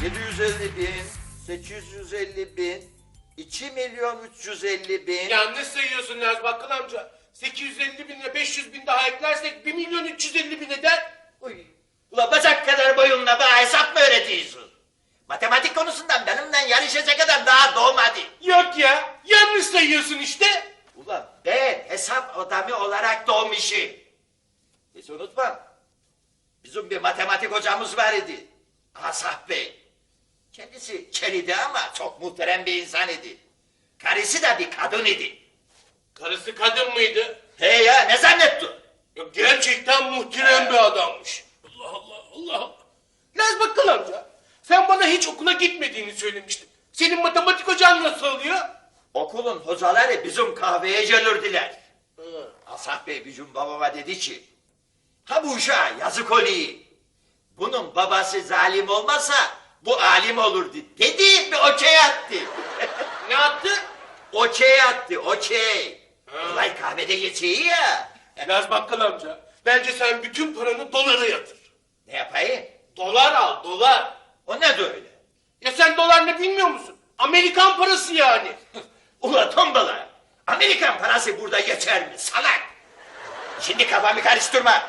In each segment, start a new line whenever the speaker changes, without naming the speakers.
750 bin, 850 bin, 2 milyon 350 bin.
Yanlış sayıyorsun Laz Bakkal amca. 850 binle 500 bin daha eklersek 1 milyon 350 bin eder.
Uy. Ula bacak kadar boyunla bana hesap mı öğretiyorsun? Matematik konusundan benimle yarışacak adam daha doğmadı.
Yok ya, yanlış sayıyorsun işte.
Ulan ben hesap adamı olarak doğmuşum. Hiç unutma. Bizim bir matematik hocamız var idi. Asaf Bey. Kendisi keliydi ama çok muhterem bir insan idi. Karısı da bir kadın idi.
Karısı kadın mıydı?
He ya ne zannettin?
Yok, gerçekten muhterem bir adammış. Allah Allah Allah Allah. Laz Bakkal amca, sen bana hiç okula gitmediğini söylemiştin. Senin matematik hocan nasıl oluyor?
Okulun hocaları bizim kahveye gelirdiler. Asaf Bey bizim babama dedi ki, ha bu uşağa yazık oluyor. Bunun babası zalim olmasa bu alim olurdu dedi ve okey attı.
Ne yaptı?
Okey attı, okey. Olay kahvede geçiyor ya.
Laz Bakkal amca, bence sen bütün paranı dolara yatır.
Ne yapayım?
Dolar al, dolar.
O ne de öyle?
Ya sen dolar ne bilmiyor musun? Amerikan parası yani.
Ula tombala. Amerikan parası burada geçer mi salak? Şimdi kafamı karıştırma.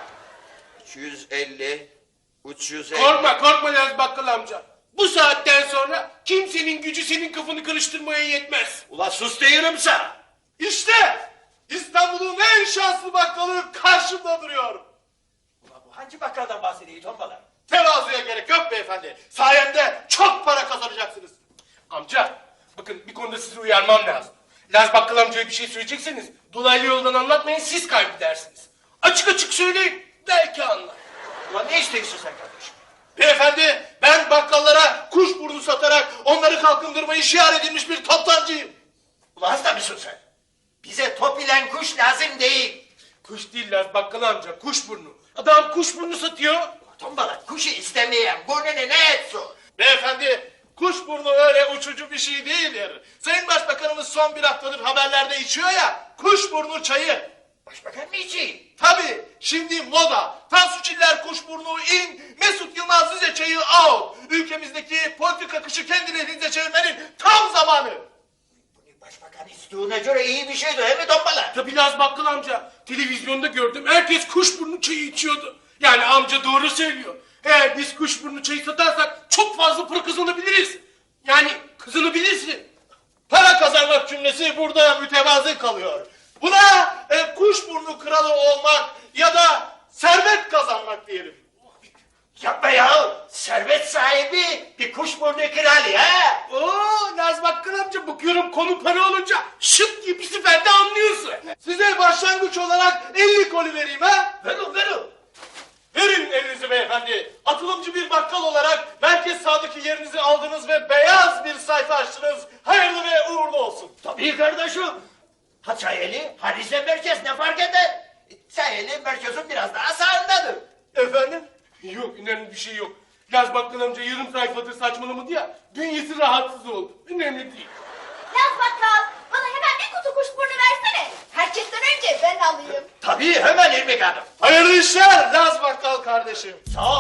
250, 350.
Korkma Laz Bakkal amca. Bu saatten sonra kimsenin gücü senin kafanı karıştırmaya yetmez.
Ula sus diyorum sana.
İşte İstanbul'un en şanslı bakkalı karşımda duruyor.
Ula bu hangi bakkaldan bahsediyor tombala?
Tevazuya gerek yok beyefendi. Sayemde çok para kazanacaksınız. Amca, bakın bir konuda sizi uyarmam lazım. Laz Bakkal amcaya bir şey söyleyecekseniz dolaylı yoldan anlatmayın, siz kaybedersiniz. Açık açık söyleyin, belki anlar.
Ula ne istiyorsun sen kardeşim?
Beyefendi, ben bakkallara kuşburnu satarak onları kalkındırmayı şiar edilmiş bir toptancıyım.
Ula hasta mısın sen? Bize top ile kuş lazım değil.
Kuş değil Laz Bakkal amca, kuşburnu. Adam kuşburnu satıyor.
Tombala kuşu istemeyen burnunu ne etsin?
Beyefendi, kuşburnu öyle uçucu bir şey değildir. Sayın Başbakanımız son bir haftadır haberlerde içiyor ya, kuşburnu çayı.
Başbakan mı için?
Tabii, şimdi moda. Tansu Çiller kuşburnu in, Mesut Yılmaz Rize çayı out. Ülkemizdeki politik akışı kendi lehinize çevirmenin tam zamanı.
Bunu başbakan istiğine göre iyi bir şeydi değil mi tombala?
Tabii Laz Bakkal amca, televizyonda gördüm, herkes kuşburnu çayı içiyordu. Yani amca doğru söylüyor. Eğer biz kuşburnu çayı satarsak çok fazla para kazanabiliriz. Yani kazanabilirsin. Para kazanmak cümlesi burada mütevazı kalıyor. Buna kuşburnu kralı olmak ya da servet kazanmak diyelim.
Yapma ya. Servet sahibi bir kuşburnu kralı ha.
Oo, Laz Bakkal amca, bakıyorum konu para olunca şıp diye bir seferde anlıyorsun. Size başlangıç olarak 50 koli vereyim ha.
Verin.
Verin elinizi beyefendi. Atılımcı bir bakkal olarak merkez sağdaki yerinizi aldınız ve beyaz bir sayfa açtınız. Hayırlı ve uğurlu olsun.
Tabii kardeşim. Ha Çayeli, ha Rize merkez ne fark eder? Çayeli merkezin biraz daha sağındadır.
Efendim? Yok, önemli bir şey yok. Laz Bakkal amca yarım sayfadır saçmalamadı ya, bünyesi rahatsız oldu. Önemli değil.
Laz Bakkal, bana hemen bir kutu kuşburnu versene. Herkesten önce ben alayım.
Tabii hemen İrmik Hanım.
Hayırlı işler Laz Bakkal kardeşim.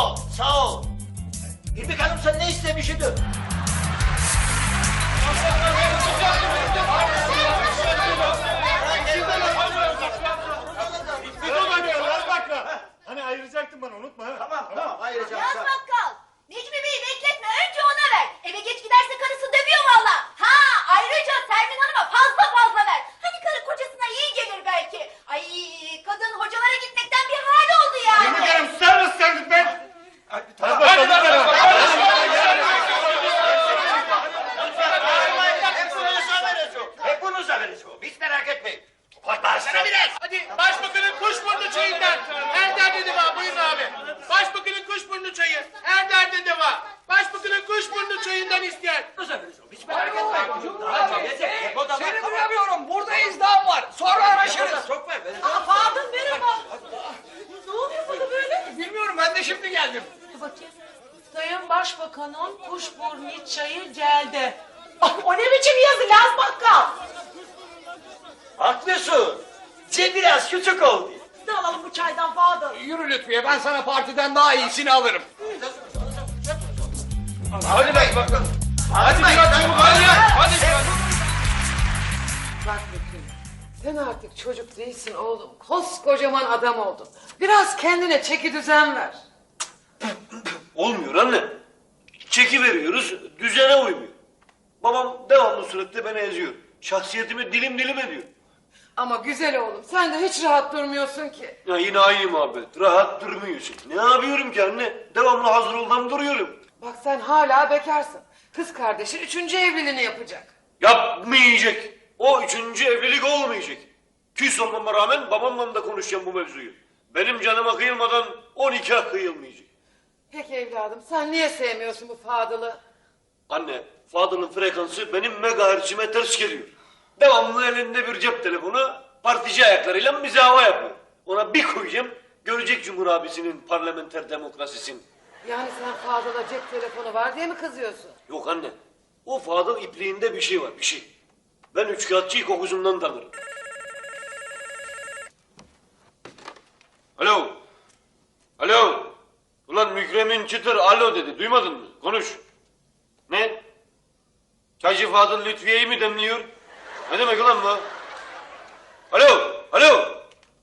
Sağ ol. İrmik Hanım sen ne istemişydin?
Hani ayıracaktın bana, unutma ha.
Tamam ayıracağım.
Laz Bakkal, Necmi Bey'i bekletme, önce ona ver. Eve geç giderse karısı dövüyor valla. Ha, ayrıca Sermin Hanım'a fazla ver. Hani karı kocasına iyi gelir belki. Ay, kadın hocalara gitmekten bir hal oldu yani.
İrmik Hanım, sen nasıl sendin ben?
Tamam. Hepinize vereceğim. Hiç merak etmeyin. Başlasana biraz.
Hadi başbakanın kuşburnu çayından. Her derde deva, buyurun abi. Başbakanın kuşburnu çayı. Her derde deva. Başbakanın kuşburnu çayından isteyen.
Hiç merak etmeyin. Daha çok yiyecek.
Seni duyamıyorum. Burada izdiham var. Sonra araşırız.
Çok ver.
Fadıl merhaba. Ne oluyor burada böyle?
Bilmiyorum, ben de şimdi geldim.
Bakayım.
Sayın Başbakan'ın kuşburnu çayı geldi. O ne biçim yazı Laz Bakkal?
Haklısın. Biraz küçük oldu.
Ne alalım bu çaydan Fadıl?
Yürü Lütfiye, ben sana partiden daha iyisini alırım.
Hadi bey.
bakalım. Hadi biraz çabuk hadi ya. Hadi.
Bak Mükrem, sen artık çocuk değilsin oğlum. Koskocaman adam oldun. Biraz kendine çeki düzen ver.
Olmuyor anne. Çeki veriyoruz, düzene uymuyor. Babam devamlı suretle beni eziyor. Şahsiyetimi dilim dilim ediyor.
Ama güzel oğlum, sen de hiç rahat durmuyorsun ki.
Ya yine aynı muhabbet. Rahat durmuyorsun. Ne yapıyorum ki anne? Devamlı hazır oldan duruyorum.
Bak sen hala bekarsın. Kız kardeşin 3. evliliğini yapacak.
Yapmayacak. O 3. evlilik olmayacak. Küs olmama rağmen babamla da konuşacağım bu mevzuyu. Benim canıma kıyılmadan o nikah kıyılmayacak.
Peki evladım, sen niye sevmiyorsun bu Fadıl'ı?
Anne, Fadıl'ın frekansı benim megahertzime ters geliyor. Devamlı elinde bir cep telefonu, partici ayaklarıyla mizahva yapıyor. Ona bir koyacağım, görecek Cumhur abisinin parlamenter demokrasisini.
Yani sen Fadıl'a cep telefonu var diye mi kızıyorsun?
Yok anne, o Fadıl ipliğinde bir şey var, bir şey. Ben üçkağıtçıyı kokusundan tanırım. Alo, alo. Ulan Mükremin Çıtır alo dedi, duymadın mı? Konuş. Ne? Çaycı Fadıl Lütfiye'yi mi demliyor? Ne demek ulan bu? Alo, alo.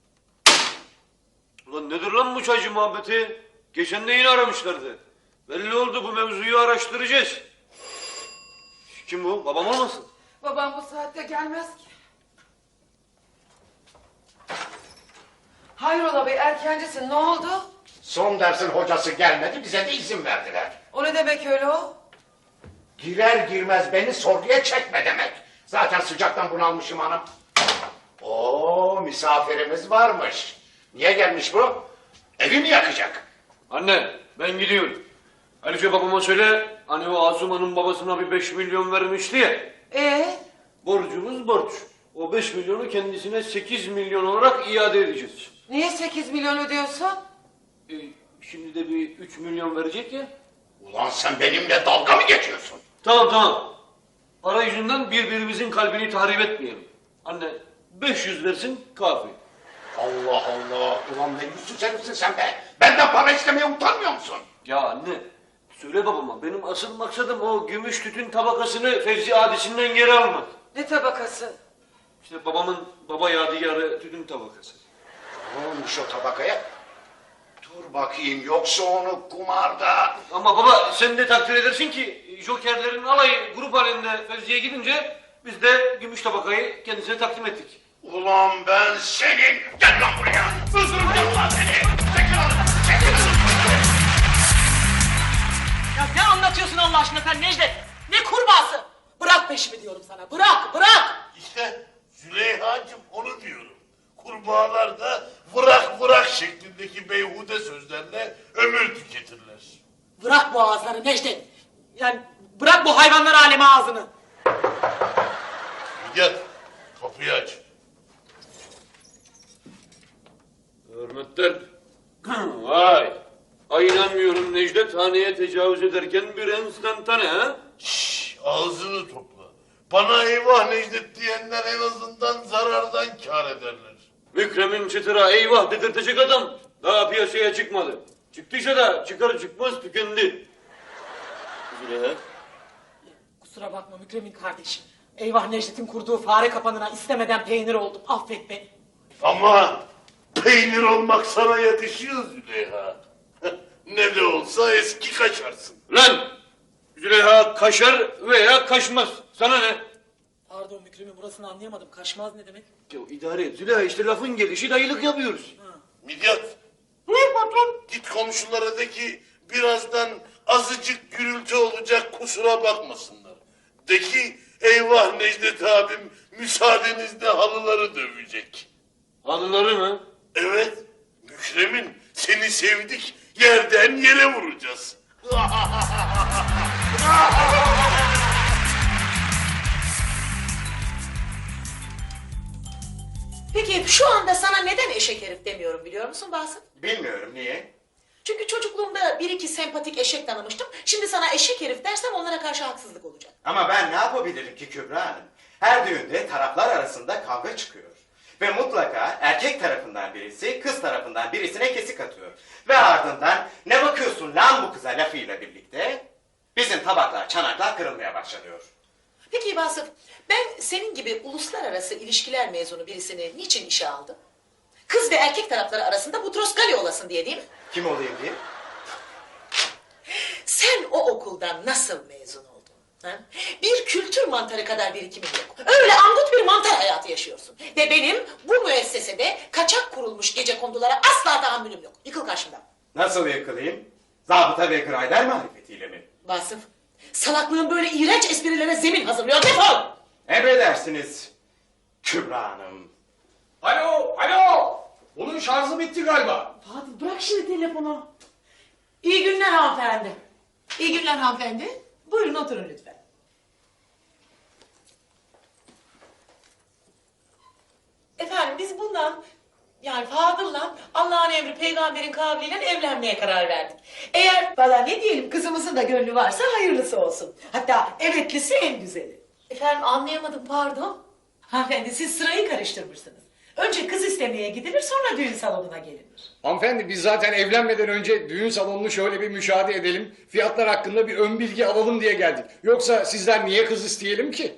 Ulan nedir lan bu çaycı muhabbeti? Geçen de yine aramışlardı. Belli oldu, bu mevzuyu araştıracağız. Kim bu? Babam olmasın?
Babam bu saatte gelmez ki. Hayrola bey, erkencisin, ne oldu?
Son dersin hocası gelmedi, bize de izin verdiler.
O ne demek öyle o?
Girer girmez beni sorguya çekme demek. Zaten sıcaktan bunalmışım hanım. Oo, misafirimiz varmış. Niye gelmiş bu? Evi mi yakacak?
Anne, ben gidiyorum. Ayrıca babama söyle, hani o Asuman'ın babasına bir 5 milyon vermişti ya. Borcumuz borç. O 5 milyonu kendisine 8 milyon olarak iade edeceğiz.
Niye 8 milyon ödüyorsun?
Şimdi de bir 3 milyon verecek ya.
Ulan sen benimle dalga mı geçiyorsun?
Tamam tamam. Para yüzünden birbirimizin kalbini tahrip etmeyelim. Anne 500 versin kafi.
Allah Allah. Ulan ne yüzsüz herifsin sen be. Benden para istemeye utanmıyor musun?
Ya anne söyle babama, benim asıl maksadım o gümüş tütün tabakasını Fevzi Adisi'nden geri almak.
Ne tabakası?
İşte babamın baba yadigarı tütün tabakası.
Ne olmuş o tabakaya? Dur bakayım, yoksa onu kumarda...
Ama baba sen de takdir edersin ki jokerlerin alayı grup halinde Fevzi'ye gidince biz de gümüş tabakayı kendisine takdim ettik.
Ulan ben senin... Gel lan buraya! Öldüreceğim ulan seni! Çekil lan! Çekil lan!
Ya ne anlatıyorsun Allah aşkına sen Necdet? Ne kurbağası? Bırak peşimi diyorum sana, bırak, bırak!
İşte Züleyha'cığım onu diyorum. Kurbağalar da bırak şeklindeki beyhude sözlerle ömür tüketirler.
Bırak bu ağızları Necdet. Yani bırak bu hayvanlar alemi ağzını.
Gel kapıyı aç.
Hürmetler. Vay. Ay inanmıyorum, Necdet haneye tecavüz ederken bir enstantane ha?
Şşş, ağzını topla. Bana eyvah Necdet diyenler en azından zarardan kâr ederler.
Mükremin Çıtır'a eyvah dedirtecek adam daha piyasaya çıkmadı. Çıktıysa da çıkar çıkmaz tükendi. Züleyha.
Kusura bakma Mükremin kardeşim. Eyvah Necdet'in kurduğu fare kapanına istemeden peynir oldum. Affet beni.
Ama peynir olmak sana yetişiyor Züleyha. Ne de olsa eski kaçarsın.
Lan! Züleyha kaşar veya kaşmaz. Sana ne?
Pardon Mükremin, burasını anlayamadım. Kaşmaz ne demek?
Ya idare et Züleyha, işte lafın gelişi dayılık yapıyoruz.
Midyat. Buyur patron. Git komşulara de ki birazdan azıcık gürültü olacak, kusura bakmasınlar. De ki eyvah Necdet abim müsaadenizle halıları dövecek.
Halıları mı?
Evet. Mükremin seni sevdik, yerden yere vuracağız.
Peki şu anda sana neden eşek herif demiyorum biliyor musun Basım?
Bilmiyorum, niye?
Çünkü çocukluğumda bir iki sempatik eşek tanımıştım. Şimdi sana eşek herif dersem onlara karşı haksızlık olacak.
Ama ben ne yapabilirim ki Kübra Hanım? Her düğünde taraflar arasında kavga çıkıyor. Ve mutlaka erkek tarafından birisi kız tarafından birisine kesik atıyor. Ve ardından ne bakıyorsun lan bu kıza lafıyla birlikte
Bizim tabaklar, çanaklar kırılmaya başlanıyor.
Peki Vasıf, ben senin gibi uluslararası ilişkiler mezunu birisini niçin işe aldım? Kız ve erkek tarafları arasında Butros Gali olasın diye değil mi?
Kim olayım diye?
Sen o okuldan nasıl mezun oldun? Ha? Bir kültür mantarı kadar birikimin yok. Öyle angut bir mantar hayatı yaşıyorsun. Ve benim bu müessesede kaçak kurulmuş gecekondulara asla tahammülüm yok. Yıkıl karşımdan.
Nasıl yakalayayım? Zabıta ve Grayder marifetiyle mi?
Vasıf, salaklığın böyle iğrenç esprilere zemin hazırlıyor. Defol!
Emredersiniz Kübra Hanım.
Alo, alo. Bunun şarjı bitti galiba.
Fadıl bırak şimdi telefonu. İyi günler hanımefendi.
İyi günler hanımefendi.
Buyurun oturun lütfen.
Efendim biz bundan yani Fadıl'la Allah'ın emri peygamberin kavliyle evlenmeye karar verdik. Eğer
Valla ne diyelim kızımızın da gönlü varsa hayırlısı olsun. Hatta evetlisi en güzeli.
efendim anlayamadım pardon.
Hanımefendi siz sırayı karıştırmışsınız. Önce kız istemeye gidilir sonra düğün salonuna gelinir.
Hanımefendi biz zaten evlenmeden önce düğün salonunu şöyle bir müşahede edelim. Fiyatlar hakkında bir ön bilgi alalım diye geldik. Yoksa sizden niye kız isteyelim ki?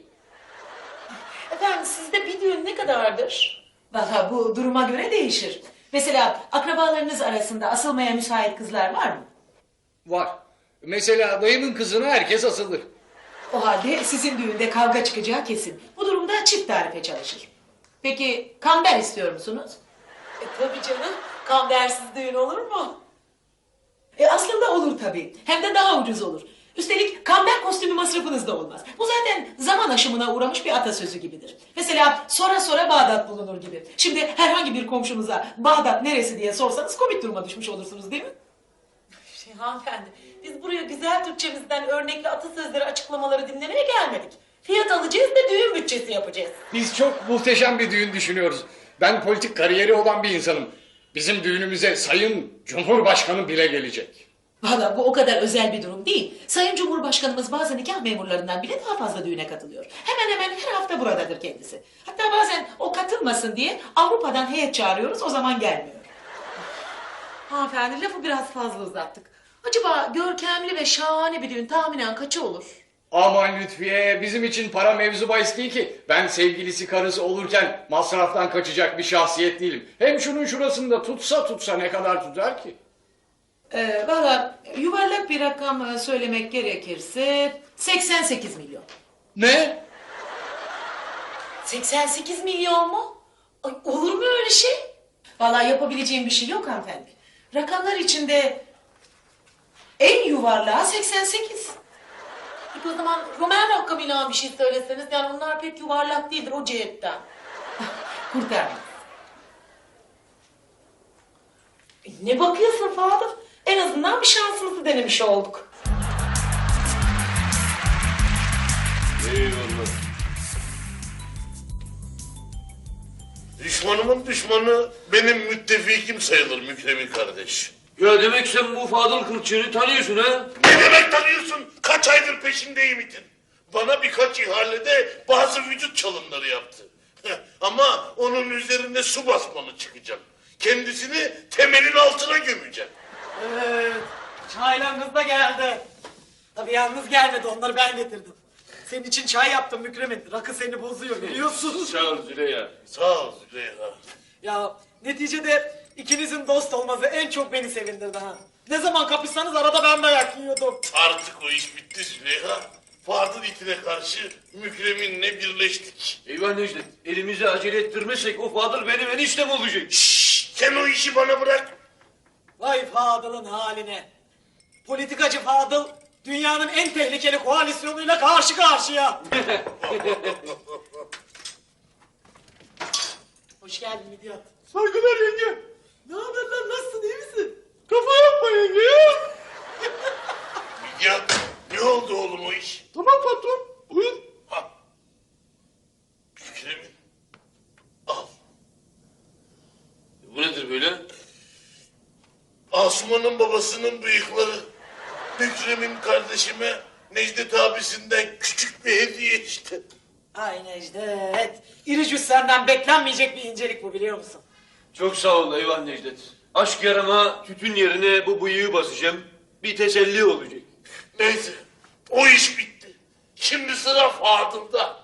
Efendim sizde bir düğün ne kadardır?
Valla bu duruma göre değişir. Mesela akrabalarınız arasında asılmaya müsait kızlar var mı?
Var. Mesela dayımın kızına herkes asılır.
O halde sizin düğünde kavga çıkacağı kesin. Bu durumda çift tarife çalışır. Peki kamber istiyor musunuz?
Tabii canım kambersiz düğün olur mu?
Aslında olur tabii. Hem de daha ucuz olur. Üstelik kamber kostümü masrafınız da olmaz. Bu zaten zaman aşımına uğramış bir atasözü gibidir. Mesela sonra sonra Bağdat bulunur gibi. Şimdi herhangi bir komşunuza Bağdat neresi diye sorsanız komik duruma düşmüş olursunuz değil mi?
Hanımefendi biz buraya güzel Türkçemizden örnekli atasözleri açıklamaları dinlemeye gelmedik. Fiyat alacağız da düğün bütçesi yapacağız.
Biz çok muhteşem bir düğün düşünüyoruz. Ben politik kariyeri olan bir insanım. Bizim düğünümüze Sayın Cumhurbaşkanı bile gelecek.
Valla bu o kadar özel bir durum değil. Sayın Cumhurbaşkanımız bazı nikah memurlarından bile daha fazla düğüne katılıyor. Hemen hemen her hafta buradadır kendisi. Hatta bazen o katılmasın diye Avrupa'dan heyet çağırıyoruz, o zaman gelmiyor.
Hanımefendi lafı biraz fazla uzattık. Acaba görkemli ve şahane bir düğün tahminen kaçı olur?
Aman Lütfiye bizim için para mevzu bahis değil ki. Ben sevgilisi karısı olurken masraftan kaçacak bir şahsiyet değilim. Hem şunun şurasında tutsa ne kadar tutar ki?
Valla yuvarlak bir rakam söylemek gerekirse 88 milyon.
Ne?
88 milyon mu? Ay, olur mu öyle şey?
Valla yapabileceğim bir şey yok hanımefendi. Rakamlar içinde en yuvarlağı 88.
Peki o zaman Roman rakamıyla bir şey söyleseniz yani onlar pek yuvarlak değildir o cihetten.
Kurtarmaz.
Ne bakıyorsun Fadıl? En azından bir şansımızı denemiş olduk.
Eyvallah.
Düşmanımın düşmanı benim müttefikim sayılır Mükremin kardeş.
Ya demek sen bu Fadıl Kılçık'ı tanıyorsun ha?
Ne demek tanıyorsun? Kaç aydır peşindeyim itin. Bana birkaç ihalede bazı vücut çalımları yaptı. Ama onun üzerinde su basmalı çıkacağım. Kendisini temelin altına gömeceğim.
Evet, çaylarınız da geldi. Tabii yalnız gelmedi, onları ben getirdim. Senin için çay yaptım Mükremin. Rakı seni bozuyor biliyorsun.
Sağ ol Züleyha.
Sağ ol Züleyha.
Ya neticede ikinizin dost olması en çok beni sevindirdi ha. Ne zaman kapışsanız arada ben dayak yiyordum.
Artık o iş bitti Züleyha. Fadıl itine karşı Mükremin'le birleştik.
Eyvah Necdet, elimizi acele ettirmezsek o Fadıl benim eniştem olacak.
Şşş, sen o işi bana bırak.
Vay Fadıl'ın haline. Politikacı Fadıl dünyanın en tehlikeli koalisyonuyla karşı karşıya. Hoş geldin Midyat.
Saygılar yenge.
Ne haber lan, nasılsın, iyi misin?
Kafa yapma yenge ya.
Ya ne oldu oğlum o iş?
Tamam patron. Buyur.
Ha. Mükremin. Al.
Bu nedir böyle?
Asuman'ın babasının bıyıkları. Mükremin kardeşime Necdet abisinden küçük bir hediye işte.
Ay Necdet. İri cüssenden beklenmeyecek bir incelik bu, biliyor musun?
Çok sağ ol eyvah Necdet. Aşk yarama tütün yerine bu bıyığı basacağım. Bir teselli olacak.
Neyse sıra Fadıl'da.